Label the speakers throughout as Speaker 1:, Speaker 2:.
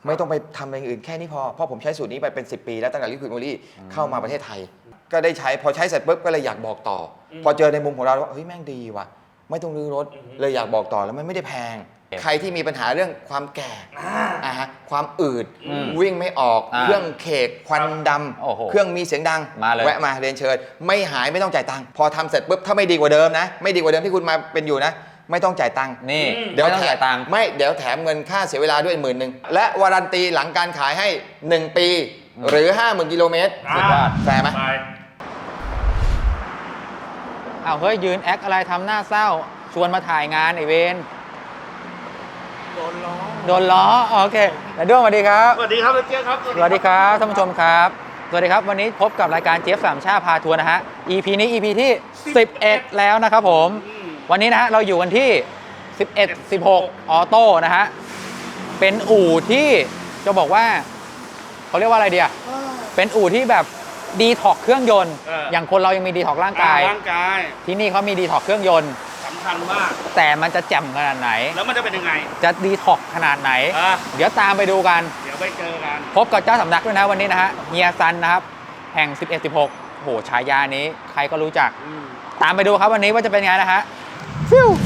Speaker 1: ไม่ต้องไปทำอะไรอื่นแค่นี้พอเพราะผมใช้สูตรนี้ไปเป็น10 ปีแล้วตั้งแต่ลิควิดโมลี่เข้ามาประเทศไทยก็ได้ใช้พอใช้เสร็จปุ๊บก็เลยอยากบอกต่อพอเจอในมุมของเราว่าเฮ้ยแม่งดีว่ะไม่ต้องรื้อรถเลยอยากบอกต่อแล้วมันไม่ได้แพงใครที่มีปัญหาเรื่องความแก่ความอืดวิ่งไม่ออกเครื่องเคกควันดำเครื่องมีเสียงดังแวะมาเรียนเชิญไม่หายไม่ต้องจ่ายตังค์พอทำเสร็จปุ๊บถ้าไม่ดีกว่าเดิมนะไม่ดีกว่าเดิมที่คุณมาเป็นอยู่นะไม่ต้องจ่ายตังค์
Speaker 2: นี่
Speaker 1: เดี๋ยว
Speaker 2: จ่ายตังค์
Speaker 1: ไม่เดี๋ยวแถมเงินค่าเสียเวลาด้วย10,000และวารันตีหลังการขายให้1 ปีหรือ 50,000 กิโลเมตรแฟร์ไหม
Speaker 2: อ้าวเฮ้ยยืนแอคอะไรทำหน้าเศร้าชวนมาถ่ายงานไอเวนโดนล้อโอเคแล้วด้วงสวัสดีครับ
Speaker 3: สวัสดีครับเจี๊ยบครับ
Speaker 2: สวัสดีครับท่านผู้ชมครับสวัสดีครับวันนี้พบกับรายการเจี๊ยบสามชาพาทัวร์นะฮะ EP นี้ EP ที่11แล้วนะครับผมวันนี้นะฮะเราอยู่กันที่11 16ออโต้นะฮะเป็นอู่ที่จะบอกว่าเขาเรียกว่าอะไรเดียเป็นอู่ที่แบบดีท็อกเครื่องยนต์อย่างคนเรายังมีดีท็อกร่างกายที่นี่เขามีดีท็อกเครื่องยนต์
Speaker 3: สำคัญมาก
Speaker 2: แต่มันจะแจ่มขนาดไหน
Speaker 3: แล้วมันจะเป็นยังไง
Speaker 2: จะดีท็อกขนาดไหนเดี๋ยวตามไปดูกัน
Speaker 3: เดี๋ยวไปเจอกัน
Speaker 2: พบกับเจ้าสำนักด้วยนะวันนี้นะฮะเฮียซันนะครับแห่ง11 16โหฉายานี้ใครก็รู้จักตามไปดูครับวันนี้ว่าจะเป็นไงนะฮะฟิว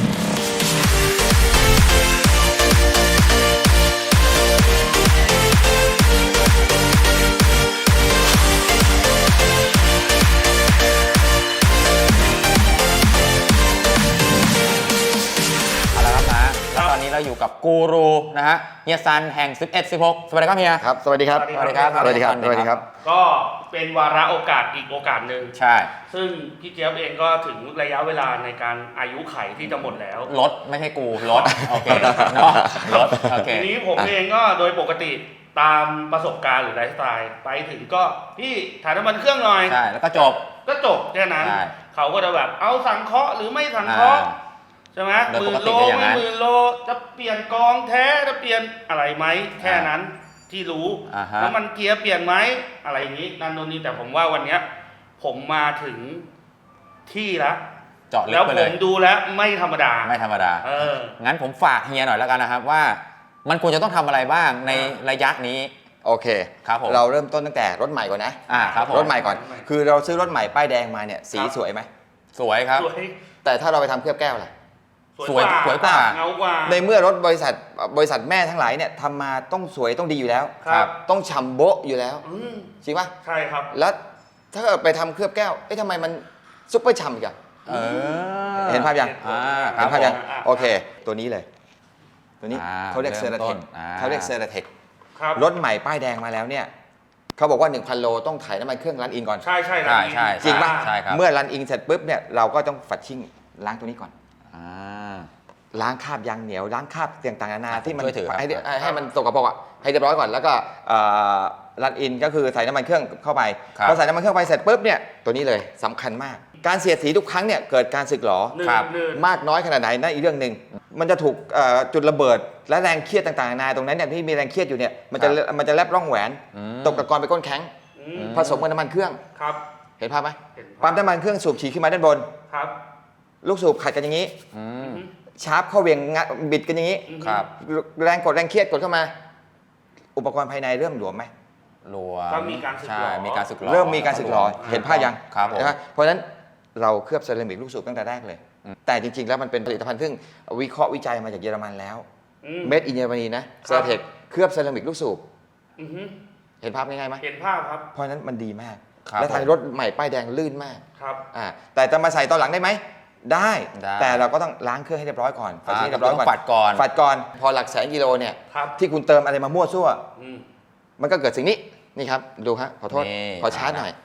Speaker 2: ตอนนี้เราอยู่กับกูรูนะฮะเฮียซันแห่ง11 16สวัสดีครับเฮีย
Speaker 1: ครับสวัสดีครับ
Speaker 2: สวัสดีครับ
Speaker 1: สวัสดีครับสวัสดีครับ
Speaker 3: ก็เป็นวาระโอกาสอีกโอกาสหนึ่ง
Speaker 2: ใช่
Speaker 3: ซึ่งพี่เจี๊ยบเองก็ถึงระยะเวลาในการอายุไขที่จะหมดแล้ว
Speaker 2: รถไม่ใช่กูรถโอเคเนาะรถโอเค
Speaker 3: ทีนี้ผมเองก็โดยปกติตามประสบการณ์หรือไลฟ์สไตล์ไปถึงก็พี่ถ่ายน้ำมันเครื่องหน่อย
Speaker 2: ใช่แล้วก็จบ
Speaker 3: แค่นั้นเขาก็จะแบบเอาสังเคราะห์หรือไม่สังเคราะห์ใช่ไหม10,000 โลไม่10,000 โลจะเปลี่ยนกองแท้จะเปลี่ยนอะไรไหมแค่นั้นที่รู้แล้วมันเกียร์เปลี่ยนไหมอะไรอย่างนี้นั่นโน่นนี่แต่ผมว่าวันเนี้ยผมมาถึงที่แล้ว
Speaker 2: เจาะลึ
Speaker 3: ก
Speaker 2: ไปเลย
Speaker 3: แล้วผมดูแล้วไม่ธรรมดา
Speaker 2: งั้นผมฝากเฮียหน่อยแล้วกันนะครับว่ามันควรจะต้องทำอะไรบ้างในระยะนี้
Speaker 1: โอเค
Speaker 2: ครับผม
Speaker 1: เราเริ่มต้นตั้งแต่รถใหม่ก่อนนะครับรถใหม่ก่อนคือเราซื้อรถใหม่ป้ายแดงมาเนี่ยสีสวยไหม
Speaker 2: สวยครับ
Speaker 1: แต่ถ้าเราไปทำเคลือบแก้วล่ะ
Speaker 2: สวยกว่า
Speaker 3: เงากว่า
Speaker 1: ในเมื่อรถบริษัทแม่ทั้งหลายเนี่ยทำมาต้องสวยต้องดีอยู่แล้วต้องฉ่ำโบ๊ะอยู่แล้วจริงปะ
Speaker 3: ใช่ครับ
Speaker 1: แล้วถ้าไปทำเคลือบแก้วทำไมมันซุปเปอร์ฉ่ำอีกอะเห็นภาพยังเห็นภาพยังโอเคตัวนี้เลยตัวนี้เขาเรียกเซอร์เทครถใหม่ป้ายแดงมาแล้วเนี่ยเขาบอกว่า 1,000 โลต้องถ่ายน้ำมันเครื่องรันอินก่อน
Speaker 3: ใช่
Speaker 1: จริงปะเมื่อรันอินเสร็จปุ๊บเนี่ยเราก็ต้องฝัดชิ่งล้างตัวนี้ก่อนล้างคราบยางเหนียวล้างคราบต่างๆนานาที่มันให้มันสกปรกให้เรียบร้อยก่อนแล้วก็รันอินก็คือใส่น้ำมันเครื่องเข้าไปพอใส่น้ำมันเครื่องไปเสร็จปุ๊บเนี่ยตัวนี้เลยสำคัญมากการเสียดสีทุกครั้งเนี่ยเกิดการสึกหรอมากน้อยขนาดไหนนั่นอีกเรื่องหนึ่งมันจะถูกจุดระเบิดและแรงเครียดต่างๆนานาตรงนั้นเนี่ยที่มีแรงเครียดอยู่เนี่ยมันจะแลบร่องแหวนตกตะกอนไปก้นแข็งผสมกับน้ำมันเครื่องเห็นภาพไหมปั๊มน้ำมันเครื่องสูบฉีดขึ้นมาด้านบนลูกสูบขัดกันอย่างนี้ชาร์ปเข้าเวียงบิดกันอย่างนี้แรงกดแรงเครียดกดเข้ามาอุปกรณ์ภายในเริ่มหลวมไหม
Speaker 2: หลวม
Speaker 3: ก็มีการสึกหรอ
Speaker 1: เริ่มมีการสึกหรอเห็นภาพยัง
Speaker 2: นะครับ
Speaker 1: เพราะฉะนั้นเราเคลือบเซรามิกลูกสูบตั้งแต่แรกเลยแต่จริงๆแล้วมันเป็นผลิตภัณฑ์ซึ่งวิเคราะห์วิจัยมาจากเยอรมันแล้วเมดอินเยอรมนีนะเซราเทคเคลือบเซรามิกลูกสูบเห็นภาพง่ายๆไหม
Speaker 3: เห็นภาพครับ
Speaker 1: เพราะฉะนั้นมันดีมากและทางรถใหม่ป้ายแดงลื่นมาก
Speaker 3: ครับ
Speaker 1: แต่จะมาใส่ตอนหลังได้ไหมได้แต่เราก็ต้องล้างเครื่องให้เรียบร้อยก่อน
Speaker 2: ฝัดให้เรียบร้อยก่อน
Speaker 1: ฝัดก่อนพอหลักแสนกิโลเนี่ยที่คุณเติมอะไรมามั่วซั่วมันก็เกิดสิ่งนี้นี่ครับดูฮะขอโทษขอชาร์จหน่อย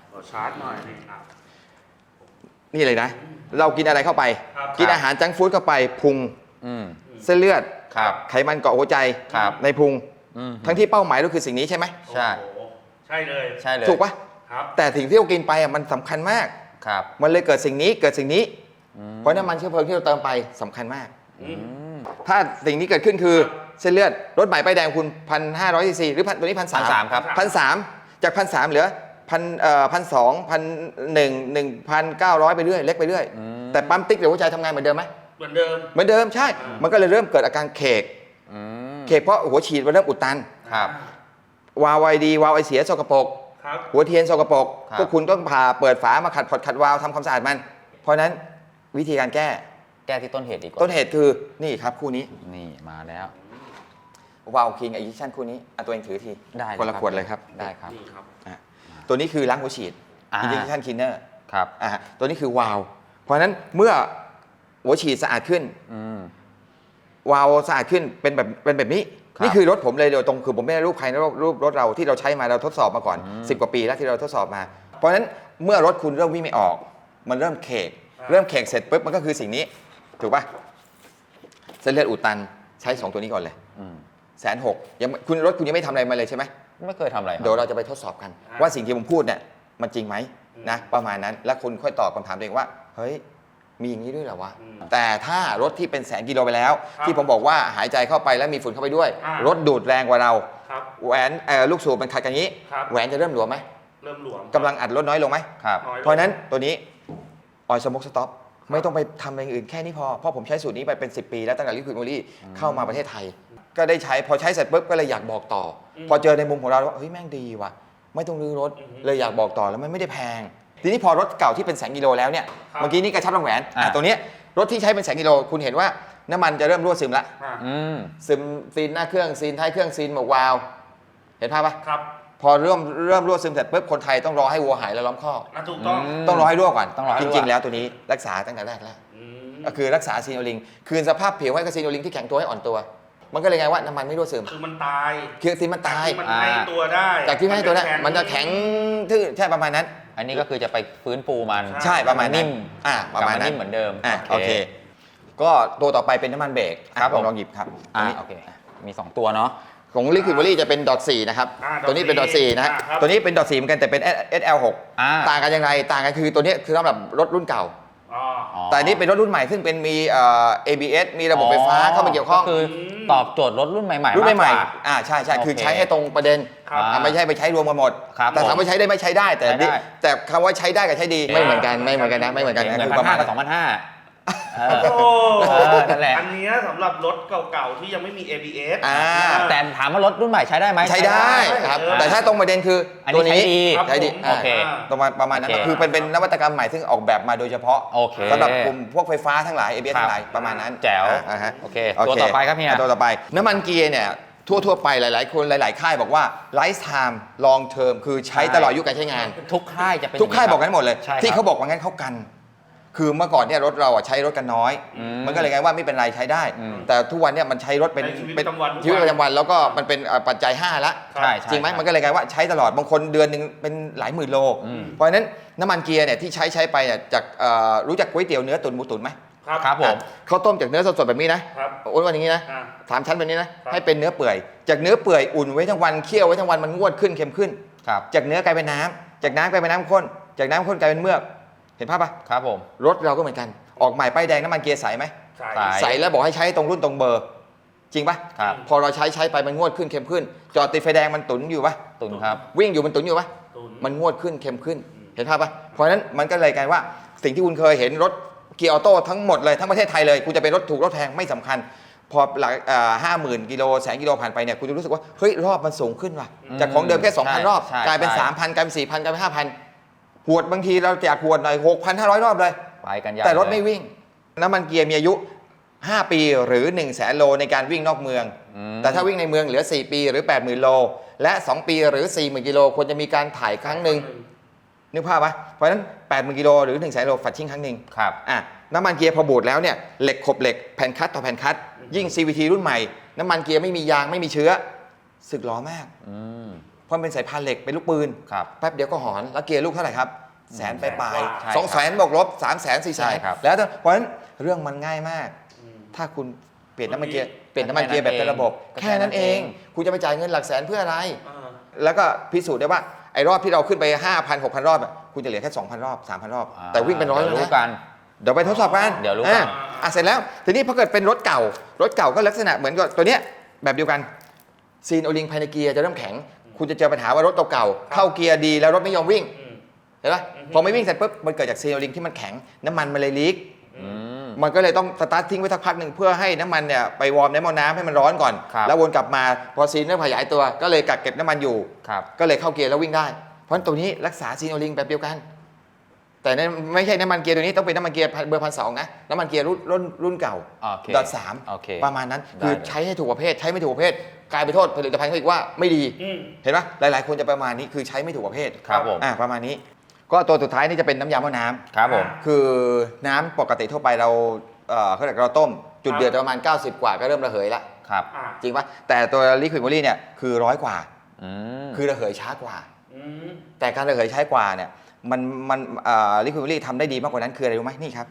Speaker 1: นี่เลยนะเรากินอะไรเข้าไปกินอาหารจังก์ฟู้ดเข้าไปพุงเส้นเลือดไขมันเกาะหัวใจในพุงทั้งที่เป้าหมายก็คือสิ่งนี้ใช่ไหม
Speaker 3: ใช่เลย
Speaker 1: ถูกปะแต่สิ่งที่เรากินไปมันสำคัญมากมันเลยเกิดสิ่งนี้เพราะน้ำมันเชื้อเพลิงที่เราเติมไปสำคัญมากถ้าสิ่งนี้เกิดขึ้นคือเส้นเลือดรถใหม่ป้ายแดงคุณ 1,500 ซีซีหรือตัวนี้ 1,300
Speaker 2: ครับ
Speaker 1: 1,300 จาก 1,300 เหลือ1,200 1,900 ไปเรื่อยเล็กไปเรื่อยแต่ปั๊มติ๊กหรือหัวใจทำงานเหมือนเดิมไหม
Speaker 3: เหมือนเดิม
Speaker 1: ใช่มันก็เลยเริ่มเกิดอาการเคกเพราะหัวฉีดมันเริ่มอุดตัน
Speaker 2: ครับ
Speaker 1: วาล์วไอดีวาล์วไอเสียสกปรก
Speaker 3: ครับ
Speaker 1: หัวเทียนสกปรก
Speaker 2: ครับ
Speaker 1: พวกคุณต้องผ่าเปิดฝามาขัดพอร์ตขัดวาล์วทำความสะอาดมัน เพราะฉะนั้นวิธีการแก้
Speaker 2: แก้ที่ต้นเหตุดีกว่า
Speaker 1: ต้นเหตุคือนี่ครับคู่นี้
Speaker 2: นี่มาแล้ว
Speaker 1: วาล์วคิงไอดิชั่นคู่นี้ตัวเองถือที
Speaker 2: ได้
Speaker 1: คนละขวดเลยครับ
Speaker 2: ได้ครับ
Speaker 3: นี่ครับ
Speaker 1: ตัวนี้คือล้างหัวฉีด
Speaker 2: อ่า
Speaker 1: อินดิชั่นคินเนอร์
Speaker 2: ครับ
Speaker 1: ตัวนี้คือวาล์วเพราะฉะนั้นเมื่อหัวฉีดสะอาดขึ้น
Speaker 2: อืม
Speaker 1: วาล์วสะอาดขึ้นเป็นแบบนี้
Speaker 2: ครับ
Speaker 1: นี่คือรถผมเลยโดยตรงคือผมไม่ได้รูปใครนะรูปรถเราที่เราใช้มาเราทดสอบมาก่อน 10 กว่าปีแล้วที่เราทดสอบมา เพราะฉะนั้นเมื่อรถคุณเริ่มวิ่งไม่ออก มันเริ่มเคกเริ่มเคกเสร็จปุ๊บมันก็คือสิ่งนี้ถูกป่ะเส้นเลือดอุดตันใช้ 2 ตัวนี้ก่อนเลย
Speaker 2: อืม
Speaker 1: 160,000ยังคุณรถคุณยังไม่ทำอะไรมาเลยใช่ไหม
Speaker 2: ไม่เคยทำอะไรค
Speaker 1: เดี๋ยว
Speaker 2: รับ
Speaker 1: เราจะไปทดสอบกัน ว่าสิ่งที่ผมพูดเนี่ยมันจริงไหมนะประมาณนั้นแล้วคุณค่อยตอบคำถามตัวเองว่าเฮ้ยมีอย่างนี้ด้วยเหรอวะแต่ถ้ารถที่เป็นแสนกิโลไปแล้ว ที่ผมบอกว่าหายใจเข้าไปแล้วมีฝุ่นเข้าไปด้วย รถดูดแรงกว่าเรา
Speaker 3: ครับ
Speaker 1: แหวนลูกสูบมันขัดกันนี้
Speaker 3: ครับ
Speaker 1: แหวนจะเริ่มหลวมไหม
Speaker 3: เริ่มหลวม
Speaker 1: กำลังอัดลดน้อยลงไหม
Speaker 2: ครับ
Speaker 3: น้อยลง
Speaker 1: เพราะฉะนั้นตัวนี้ออยสโมกสต็อปไม่ต้องไปทำอย่างอื่นแค่นี้พอเพราะผมใช้สูตรนี้ไปเป็น 10 ปีแล้วตั้งแต่ลิควิดโมลี่เข้ามาประเทศไทย ก็ได้ใช้พอใช้เสร็จปุ๊บก็เลยอยากบอกต่ออพอเจอในมุมของเราว่าเฮ้ยแม่งดีว่ะไม่ต้องรื้อรถเลยอยากบอกต่อแล้วมันไม่ได้แพง ทีนี้พอรถเก่าที่เป็นแสนกิโลแล้วเนี่ยเมื่อกี้นี่กระชับวงแหวนตัวเนี้ยรถที่ใช้เป็นแสนกิโลคุณเห็นว่าน้ำมันจะเริ่มรั่วซึมละ
Speaker 3: อ่า
Speaker 2: อืม
Speaker 1: ซึมซีนหน้าเครื่องซีนท้ายเครื่องซีนหมวกวาล์วเห็นภาพปะ
Speaker 3: ครับ
Speaker 1: พอเริ่มรั่วซึมเสร็จปุ๊บคนไทยต้องรอให้วัวหายแล้วล้อมคอก
Speaker 3: ถูกต้อง
Speaker 1: ต้องรอให้รั่วก่อน
Speaker 2: ต้องรอให้
Speaker 1: จ
Speaker 2: รั่ว
Speaker 1: ริงๆแล้วตัวนี้รักษาตั้งแต่แรกแล้ว
Speaker 3: อืม
Speaker 1: ก็คือรักษาซีโนลิงคืนสภาพผิวให้กับซีโนลิงที่แข็งตัวให้อ่อนตัว มันก็เลยไงว่าน้ำมันไม่รั่วซึม
Speaker 3: คือมันตาย
Speaker 1: คือซีนมันตาย
Speaker 3: ที่มันให้ตัวได้
Speaker 1: จากที่ไม่ให้ตัวนั้นมันจะแข็งทื่อใช่ประมาณนั้น
Speaker 2: อันนี้ก็คือจะไปฟื้นฟูมัน
Speaker 1: ใช่ประมาณนั้น
Speaker 2: นิ่ม
Speaker 1: ประมาณนั้น
Speaker 2: กลับนิ่มเหมือนเดิม
Speaker 1: โอเค ก็ตัวต่อไปเป็นน้ำมันเบรก
Speaker 2: ครับผม
Speaker 1: ลองหยิบครับตัวนี้
Speaker 2: โอเค มี 2 ตัวเนาะ
Speaker 1: ของลิควิดวอลี่จะเป็นดอท4นะครับ ตัวนี้เป็นดอท4นะฮะ
Speaker 3: ครับ
Speaker 1: ตัวนี้เป็นดอท4เหมือนกันแต่เป็น SL6 ต่างกันยังไงต่างกันคือตัวนี้คือสำหรับรถรุ่นเก่า
Speaker 3: อ๋อ
Speaker 1: แต่อันนี้เป็นรถรุ่นใหม่ซึ่งเป็นมีABS มีระบบไฟฟ้าเข้ามาเกี่ยวข้อง
Speaker 2: ก็คือตอบโจทย์รถรุ่นใหม่ๆ
Speaker 1: รุ่นใหม่
Speaker 2: มากกว่า
Speaker 1: ๆใช่ใช่คือ
Speaker 2: โอเค
Speaker 1: ใช้ให้ตรงประเด็น
Speaker 3: ครับ
Speaker 1: ไม่ใช่ไปใช้รวมกันหมด
Speaker 2: ครับ
Speaker 1: แต่ถามว่าใช้ได้ไหมใช้ได้แต่
Speaker 2: ใช้ได้
Speaker 1: แต่คำว่าใช้ได้กับใช้ดีไม่เหมือนกันไม่เหมือนกันนะไม่เหมือนกันนะ
Speaker 2: เงิน
Speaker 1: คือประมาณ
Speaker 2: 1,500กับ2,500
Speaker 3: โอ้
Speaker 2: นั่นแหละ
Speaker 3: อันเนี้ยสำหรับรถเก่าๆที่ยังไม่มี ABS
Speaker 2: แต่ถามว่ารถรุ่นใหม่ใช้ได้ไหม
Speaker 1: ใช้ได้ครับแต่ถ้าตรงประเด็นคืออน
Speaker 2: นี้
Speaker 1: ตัวนี้
Speaker 2: ใช้ดี
Speaker 3: ครับ
Speaker 1: ใช้ดี
Speaker 3: ผม
Speaker 2: โอเค
Speaker 1: ตรงประมาณนั้น
Speaker 2: โอเค
Speaker 1: คือเป็นนวัตกรรมใหม่ซึ่งออกแบบมาโดยเฉพาะ
Speaker 2: โอเค
Speaker 1: สำหรับกลุ่มพวกไฟฟ้าทั้งหลาย ABS
Speaker 2: ครับ
Speaker 1: ทั้งหลายประมาณนั้น
Speaker 2: แจ๋ว
Speaker 1: ฮะ
Speaker 2: โอเคตัวต่อไปครับเฮีย
Speaker 1: ตัวต่อไปน้ำมันเกียร์เนี่ยทั่วๆไปหลายๆคนหลายๆค่ายบอกว่า lifetime long term คือใช้ตลอดอายุการใช้งาน
Speaker 2: ทุกค่ายจะเป็น
Speaker 1: ทุกค่ายบอกกันหมดเลย
Speaker 2: ใช่ครับ
Speaker 1: ที่เขาบอกว่างั้นเขากัน คือเมื่อก่อนเนี่ยรถเราใช้รถกันน้อย มันก็เลยไงว่าไม่เป็นไรใช้ได้ แต่ทุกวันเนี่ยมันใช้รถเป็น
Speaker 3: ในชีวิตประจำวัน
Speaker 1: ชีวิตประจำวันแล้วก็มันเป็นปัจจัย5ละ
Speaker 2: ใช่
Speaker 1: จริงไหมมันก็เลยไงว่าใช้ตลอดบางคนเดือนหนึ่งเป็นหลายหมื่นโล เพราะฉะนั้นน้ำมันเกียร์เนี่ยที่ใช้ไปเนี่ยจากรู้จักก๋วยเตี๋ยวเนื้อตุ๋นหมูตุ๋นไหม
Speaker 2: ครับผม
Speaker 1: เขาต้มจากเนื้อสดๆแบบนี้นะครับ อ้วนๆอย่างนี้นะ
Speaker 3: อ่า
Speaker 1: 3 ชั้นแบบนี้นะครับ ให้เป็นเนื้อเปื่อยจากเนื้อเปื่อยอุ่นไว้ทั้งวันเคี่ยวไว้ทั้งวันมันงวดขึ้นเค็มขึ้น
Speaker 2: ครับ
Speaker 1: จากเนื้อกลายเป็นน้ำจากน้ำกลายเป็นน้ำข้นจากน้ำข้นกลายเป็นเมือกเห็นภาพปะ
Speaker 2: ครับผม
Speaker 1: รถเราก็เหมือนกันออกใหม่ป้ายแดงน้ำมันเกียร์ใสไหม
Speaker 3: ใช่
Speaker 2: ใช่
Speaker 1: ใสแล้วบอกให้ใช้ตรงรุ่นตรงเบอร์ จริงปะ
Speaker 2: ครับ
Speaker 1: พอเราใช้ไปมันงวดขึ้นเค็มขึ้น จอดติดไฟแดงมันตุ๋นอยู่ปะ
Speaker 2: ตุนครับ
Speaker 1: วิ่งอยู่มันตุ๋นอยู่ปะ
Speaker 3: ตุน
Speaker 1: มันงวดขึ้นเค็มขึ้น เห็นภาพปะเพราะฉะนั้นมันก็เลยกลายว่าสิ่งที่คุณเคยเห็นรถเกียร์ออโต้ทั้งหมดเลยทั้งประเทศไทยเลยคุณจะเป็นรถถูกรถแพงไม่สำคัญ พอหลัก50,000 กิโลแสนกิโลผ่านไปเนี่ยคุณจะรู้สึกว่าเฮ้ยรอบมันสูงขึ้นว่ะจากของเดิมแค่ 2,000 รอบ
Speaker 2: ใช่
Speaker 1: กลายเป็น
Speaker 2: ใช่
Speaker 1: 3,000 กลายเป็น 4,000 กลายเป็น 5,000 หวดบางทีเราแจกหวดหน่อย 6,500 รอบเลย
Speaker 2: ไปกันยาว
Speaker 1: แต่รถไม่
Speaker 2: เลย
Speaker 1: วิ่ง น้ำมันเกียร์มีอายุ 5 ปีหรือ 100,000 โลในการวิ่งนอกเมือง แต่ถ้าวิ่งในเมืองเหลือ 4 ปีหรือ 80,000 โล และ 2 ปีหรือ 40,000 กิโลควรจะมีการถ่ายครั้งหนึ่งนึกภาพปะเพราะฉะนั้น 80,000 กิโลหรือ 100,000 โลฝัดชิ่งครั้งหนึ่ง
Speaker 2: ครับ
Speaker 1: น้ำมันเกียร์พอบูดแล้วเนี่ยเหล็กขบเหล็กแผ่นคัตต่อแผ่นคัตยิ่ง CVT รุ่นใหม่ น้ำมันเกียร์ไม่มียางไม่มีเชื้อสึกหรอมาก
Speaker 2: อืม
Speaker 1: เพราะมันเป็นสายพานเหล็กเป็นลูกปืน
Speaker 2: ครับ
Speaker 1: แป๊บเดียวก็หอนแล้วเกียร์ลูกเท่าไหร่ครับแสนไปลาย
Speaker 2: ใช่
Speaker 1: ๆ200,000บวกลบ300,000 400,000
Speaker 2: ใช่ครับ
Speaker 1: แล้วเพราะฉะนั้นเรื่องมันง่ายมาก ถ้าคุณเปลี่ยนน้ำมันเกียร์เปลี่ยนน้ำมันเกียร์แบบเป็นระบบ
Speaker 2: ก็
Speaker 1: แค่นั้นเอง คุณจะไปจ่ายเงินหลักแสนเพื่ออะไร
Speaker 3: อ่า
Speaker 1: แล้วก็พิสูจน์ได้ว่าไอ้รอบที่เราขึ้นไป 5,000 6,000 รอบอะคุณจะเหลือแค่ 2,000 รอบ 3,000 รอบ แต่วิ่งเป็นร้อย
Speaker 2: ดี๋
Speaker 1: แล้ว
Speaker 2: รู้
Speaker 1: นะ
Speaker 2: กัน
Speaker 1: เดี๋ยวไปทดสอบกัน
Speaker 2: เดี๋ยวรู้กัน
Speaker 1: เสร็จแล้วทีนี้พอเกิดเป็นรถเก่าก็ลักษณะเหมือนกับตัวเนี้ยแบบเดียวกันซีนโอลิงภายในเกียร์จะเริ่มแข็ง คุณจะเจอปัญหาว่ารถเก่าๆเข้าเกียร์ดีแล้วรถไม่ยอมวิ่ง
Speaker 3: อืม
Speaker 1: เห็นปะพอไม่วิ่งเสร็จปุ๊บมันเกิดจากซีนโอลิงที่มันแข็งน้ำมันมันเลยลีก
Speaker 2: อืม
Speaker 1: มันก็เลยต้องสตาร์ททิ้งไว้สักพักหนึ่งเพื่อให้น้ำมันเนี่ยไปวอร์มในหม้อน้ำให้มันร้อนก่อน แล้ววนกลับมาพอซีนเริ่มขยายตัวก็เลยกักเก็บน้ำมันอยู่ก็เลยเข้าเกียร์แล้ววิ่งได้เพราะฉะนั้นตัวนี้รักษาซีนโอลิงแบบเดียวกันแต่ไม่ใช่น้ำมันเกียร์ตัวนี้ต้องเป็นน้ำมันเกียร์เบอร์1,200นะน้ำมันเกียร์รุ่นเก่า.3 ประมาณนั้นคือใช้ให้ถูกประเภทใช้ไม่ถูกประเภทกลายไปโทษผลิตภัณฑ์เขาอีกว่าไม่ดีเห็นไหมหลายๆคนจะประมาณนี้คือใช้ไม่ถูกประเภท
Speaker 2: ครับผม
Speaker 1: ประมาณนี้ก็ตัวสุดท้ายนี่จะเป็นน้ำยาหม้อน้ำ
Speaker 2: ครับผม
Speaker 1: คือน้ำปกติทั่วไปเราเขาเรียกเราต้มจุดเดือดประมาณ90กว่าก็เริ่มระเหยแล้ว
Speaker 2: ครับ
Speaker 1: จริงปะแต่ตัวลิควิดโมลี่เนี่ยคือ100กว่าคือระเหยช้ากว่าแต่การระเหยช้ากว่าเนี่ยมันลิควิดโมลี่ทำได้ดีมากกว่านั้นคืออะไรรู้ไหมนี่ครับ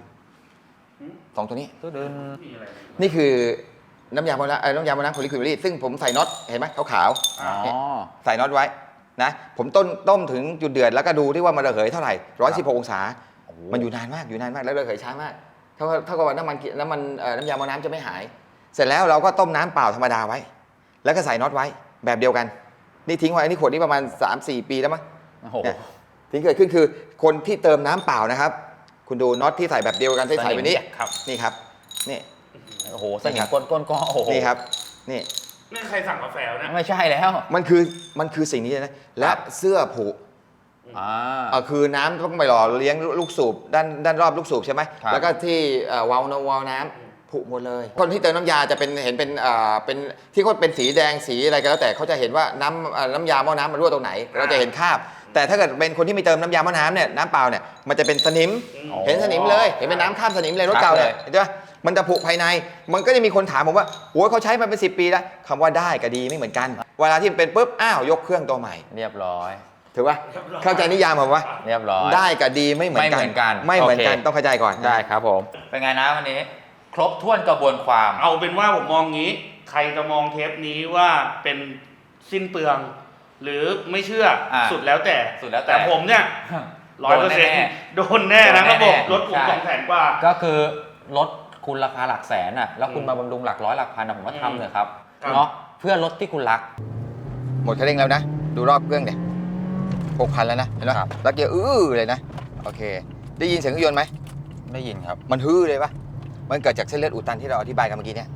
Speaker 1: 2ตัวนี้นี่คือน้ำยาหม้อน้ำของลิควิดโมลี่ซึ่งผมใส่น็อตเห็นไหมขาวๆใส่น็อตไว้นะผมต้มถึงจุดเดือดแล้วก็ดูที่ว่ามันระเหยเท่าไหร่116องศามันอยู่นานมากแล้วระเหยช้ามากเท่ากับว่าน้ำยาหม้อน้ำจะไม่หายเสร็จแล้วเราก็ต้มน้ำเปล่าธรรมดาไว้แล้วก็ใส่น็อตไว้แบบเดียวกันนี่ทิ้งไว้อันนี้ขวดนี้ประมาณ 3-4 ปีแล้วมั้งที่เกิดขึ้นคือคนที่เติมน้ำเปล่านะครับคุณดูน็อตที่ใส่แบบเดียวกันที่ใส่ไปนี้นี่ครับนี่
Speaker 2: โอ้โหสนิมก้นก็โอ้โห
Speaker 1: นี่ครับนี่
Speaker 3: ใครสั่งกาแฟนะ
Speaker 2: ไม่ใช่แล้ว
Speaker 1: มันคือสิ่งนี้นะและเสื้อผุคือน้ำต้องไปหล่อเลี้ยงลูกสูบด้านรอบลูกสูบใช่ไหมแล้วก็ที่วาล์วน้ำผุหมดเลยคนที่เติมน้ำยาจะเห็นเป็นที่เขาเป็นสีแดงสีอะไรก็แล้วแต่เขาจะเห็นว่าน้ำยาหม้อน้ำมันรั่วตรงไหนเราจะเห็นคราบแต่ถ้าเกิดเป็นคนที่ไม่เติมน้ำยาหม้อน้ำเนี่ยน้ำเปล่าเนี่ยมันจะเป็นสนิมเห็นสนิมเลยเห็นเป็นน้ำคราบสนิมเลยรถเก่าเนี่ยเห็นไหมมันจะผุภายในมันก็จะมีคนถามผมว่าโอ้ยเขาใช้มาเป็น10 ปีแล้วคำว่าได้กับดีไม่เหมือนกันเวลาที่เป็นปุ๊บยกเครื่องตัวใหม่
Speaker 2: เรียบร้อย
Speaker 1: ถือว่าเข้าใจนิยามผมว่า
Speaker 2: เรียบร้อย
Speaker 1: ได้กับดีไม่เหมือนกันต้องเข้าใจก่อน
Speaker 2: ได้ครับผมเป็นไงนะวันนี้ครบถ้วนกระบวนความ
Speaker 3: เอาเป็นว่าผมมองงี้ใครจะมองเทปนี้ว่าเป็นสิ้นเปลืองหรือไม่เชื่อสุดแล้วแต่ผมเนี่ย100%โดนแน่นะระบบรถผม200,000 กว่า
Speaker 2: ก็คือรถคุณราคาหลักแสนแล้วคุณมาบำรุงหลักร้อยหลักพันผมว่าทำเลยครับเนาะเพื่อรถที่คุณรัก
Speaker 1: หมดคันเร่งแล้วนะดูรอบเครื่องเนี่ย6,000แล้วนะเห็นไหมแล้วเกียร์เลยนะโอเคได้ยินเสียงเครื่องยนต์ไหม
Speaker 2: ได้ยินครับ
Speaker 1: มันเลยปะมันเกิดจากเส้นเลือดอุดตันที่เราอธิบายกันเมื่อกี้เนี่ย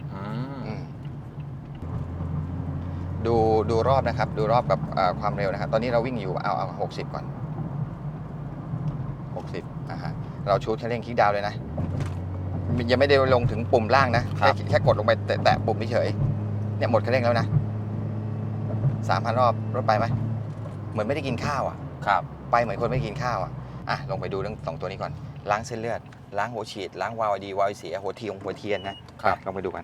Speaker 1: ดูรอบนะครับดูรอบกับความเร็วนะครับตอนนี้เราวิ่งอยู่เอา60ก่อน60เราชูดคันเร่งคลิกดาวน์เลยนะยังไม่ได้ลงถึงปุ่มล่างนะแค่กดลงไปแตะปุ่มเฉยเนี่ยหมดคันเร่งแล้วนะ 3,000 รอบรถไปไหมเหมือนไม่ได้กินข้าว
Speaker 2: ครับ
Speaker 1: ไปเหมือนคนไม่กินข้าวลงไปดูเรื่อง2ตัวนี้ก่อนล้างเส้นเลือดล้างหัวฉีดล้างวาล์วดีวาล์วเสียหัวเทียนนะครับลองไปดูกัน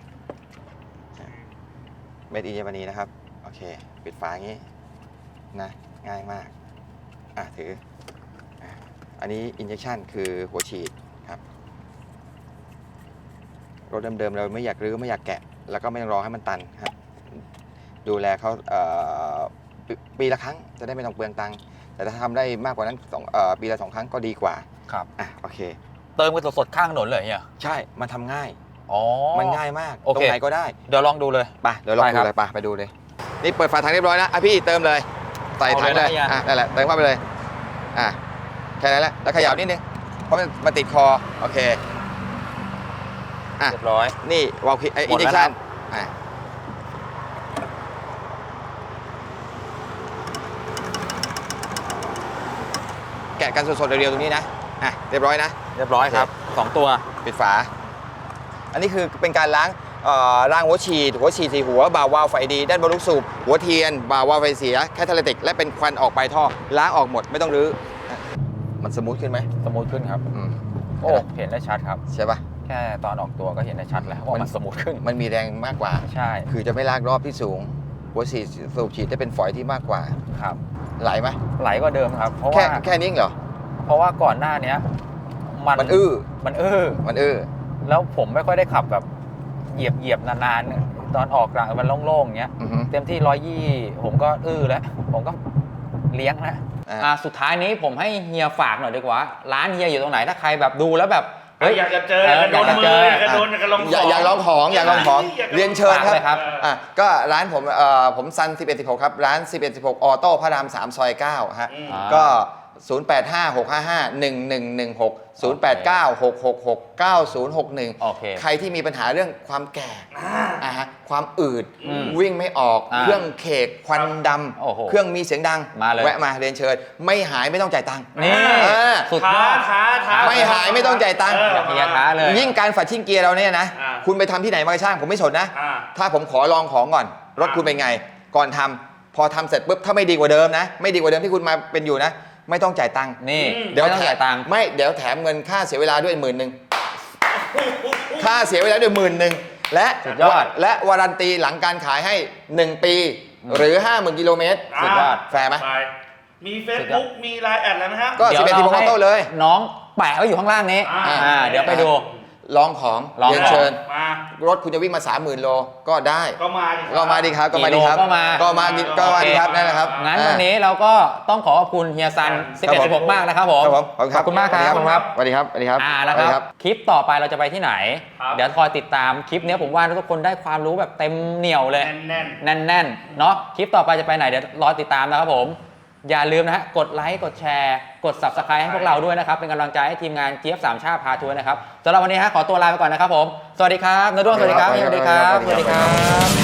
Speaker 1: เมดอินเยอรมนีนะครับโอเคปิดฝาอย่างนี้นะง่ายมากถืออันนี้อินเจคชันคือหัวฉีดครับรถเดิมๆเราไม่อยากรื้อไม่อยากแกะแล้วก็ไม่ต้องรอให้มันตันครับดูแลเขาปีละครั้งจะได้ไม่ต้องเปลืองตังค์แต่ถ้าทำได้มากกว่านั้นปีละ2 ครั้งก็ดีกว่า
Speaker 2: ครับ
Speaker 1: โอเค
Speaker 2: เติมกันสดๆข้างถนนเลยเนี่ย
Speaker 1: ใช่มันทำง่ายมันง่ายมากตรงไหนก็ได้
Speaker 2: เดี๋ยวลองดูเลย
Speaker 1: เดี๋ยวลองดูเลยไปดูเลยนี่เปิดฝาถังเรียบร้อยแล้วพี่เติมเลยใส่ถังเลยนั่นแหละเติมเข้าไปเลยแค่นั้นแหละแล้วเขย่านิดนึงเพราะมันติดคอโอเค
Speaker 2: เรียบร้อย
Speaker 1: นี่วาล์วอินเจคชั่นแกะกันสดๆเรียวๆตรงนี้นะเรียบร้อยนะ
Speaker 2: เรียบร้อยครับ2ตัว
Speaker 1: ปิดฝาอันนี้คือเป็นการล้างหัวฉีด4 หัวบ่าวาล์วไฟดีด้านบนลูกสูบหัวเทียนบ่าวาล์วไฟเสียแคทาลิติกและเป็นควันออกปลายท่อล้างออกหมดไม่ต้องรื้อมันสมูทขึ้นไหม
Speaker 2: สมูทขึ้นครับโอ้เห็นได้ชัดครับ
Speaker 1: ใช่ปะ
Speaker 2: แค่ตอนออกตัวก็เห็นได้ชัดแล้วว่ามันสมูทขึ้น
Speaker 1: มันมีแรงมากกว่า
Speaker 2: ใช่
Speaker 1: คือจะไม่ลากรอบที่สูงหัวสูบฉีดได้เป็นฝอยที่มากกว่า
Speaker 2: ครับ
Speaker 1: ไหลไหม
Speaker 2: ไหลกว่าเดิมครับเพราะว่า
Speaker 1: แค่นี้เหรอ
Speaker 2: เพราะว่าก่อนหน้านี้
Speaker 1: มัน
Speaker 2: แล้วผมไม่ค่อยได้ขับแบบเหยียบนานๆตอนออกกลางมันโล่งๆอย่างเงี้ยเต็มที่120ผมก็แล้วผมก็เลี้ยงนะสุดท้ายนี้ผมให้เฮียฝากหน่อยดีกว่าร้านเฮียอยู่ตรงไหนถ้าใครแบบดูแล้วแบบ
Speaker 3: อยากจะเจออยากจะโดนมืออยากจะโดนอยากจะลองของ
Speaker 1: อยากลองของเรียนเชิญครับก็ร้านผมซัน1116ครับร้าน1116ออโต้พระราม3ซอย9ฮะก็ 0856551116
Speaker 2: โอเค
Speaker 1: 0896669061 ใครที่มีปัญหาเรื่องความแก่ฮะความอืดวิ่งไม่ออกเครื่องเคกควันด
Speaker 2: โอ้โห
Speaker 1: ำเครื่องมีเสียงดัง
Speaker 2: มาเลย
Speaker 1: แวะมาเรียนเชิญไม่หายไม่ต้องจ่ายตังค์
Speaker 2: นี่ สุดยอด
Speaker 3: ท้า
Speaker 1: ไม่หายไม่ต้องจ่ายตังค์
Speaker 2: เฮียท้าเลย
Speaker 1: ยิ่งการฝัดชิ่งเกียร์เราเนี่ยนะ
Speaker 3: อ่า
Speaker 1: คุณไปทำที่ไหนมาก็ช่างผมไม่สนนะ
Speaker 3: อ่า
Speaker 1: ถ้าผมขอลองของก่อนรถคุณเป็นไง ก่อนทำพอทำเสร็จปุ๊บถ้าไม่ดีกว่าเดิมนะ ไม่ดีกว่าเดิมที่คุณมาเป็นอยู่นะ ไม่ต้องจ่ายตังค์
Speaker 2: นี่
Speaker 1: เดี๋ยว
Speaker 2: ไม่ต้องจ่ายตังค์
Speaker 1: ไม่เดี๋ยวแถมเงินค่าเสียเวลาด้วย10,000ค่าเสียเวลาด้วย10,000และ
Speaker 2: สุดยอด
Speaker 1: และวารันตีหลังการขายให้1 ปีหรือ 50,000 กิโลเมตร
Speaker 2: สุดยอด
Speaker 1: แฟร์ไหม
Speaker 3: ไปมี Facebook มีไลน์แอดอะไรไหมฮะ
Speaker 1: ก็
Speaker 2: เดี๋ยว
Speaker 1: 11
Speaker 2: เรา
Speaker 1: 16
Speaker 2: ให้
Speaker 1: ออโต้เลย
Speaker 2: น้องแปะไว้อยู่ข้างล่างนี้ เดี๋ยวไปดู
Speaker 1: ลองของ
Speaker 2: ลอง
Speaker 1: เรียนเชิญ
Speaker 3: มา
Speaker 1: รถคุณจะวิ่งมา 30,000 โลก็ได้
Speaker 3: ก็มาดิ
Speaker 1: ก็มาดีครับก็มาดีครับ
Speaker 2: กี่โลก็มา
Speaker 1: ก็มาดีครับนั่นแหละครับ
Speaker 2: งั้นวันนี้เราก็ต้องขอขอบคุณเฮียซัน
Speaker 1: ครับผม
Speaker 2: 11 16 มากนะครับผม
Speaker 1: ครับผม
Speaker 2: ขอบคุณมากครับขอบคุณครับ
Speaker 1: สวัสดีครับสวัสดีครับ
Speaker 2: นะครับ คลิปต่อไปเราจะไปที่ไหน
Speaker 3: ครับ
Speaker 2: เดี๋ยวคอยติดตามคลิปนี้ผมว่าทุกคนได้ความรู้แบบเต็มเหนียวเลย
Speaker 3: แน่น
Speaker 2: แน่นๆ เนาะคลิปต่อไปจะไปไหนเดี๋ยวรอติดตามนะครับผม อย่าลืมนะฮะ กดไลค์ กดแชร์ กด Subscribe ให้พวกเราด้วยนะครับ เป็นกำลังใจให้ทีมงานเจี๊ยบสามชาติพาทัวร์นะครับสำหรับวันนี้ฮะขอตัวลาไปก่อนนะครับผม สวัสดีครับนด้วงสวัสดีครับ
Speaker 1: สวัสดีครับ
Speaker 2: สวัสดีครับ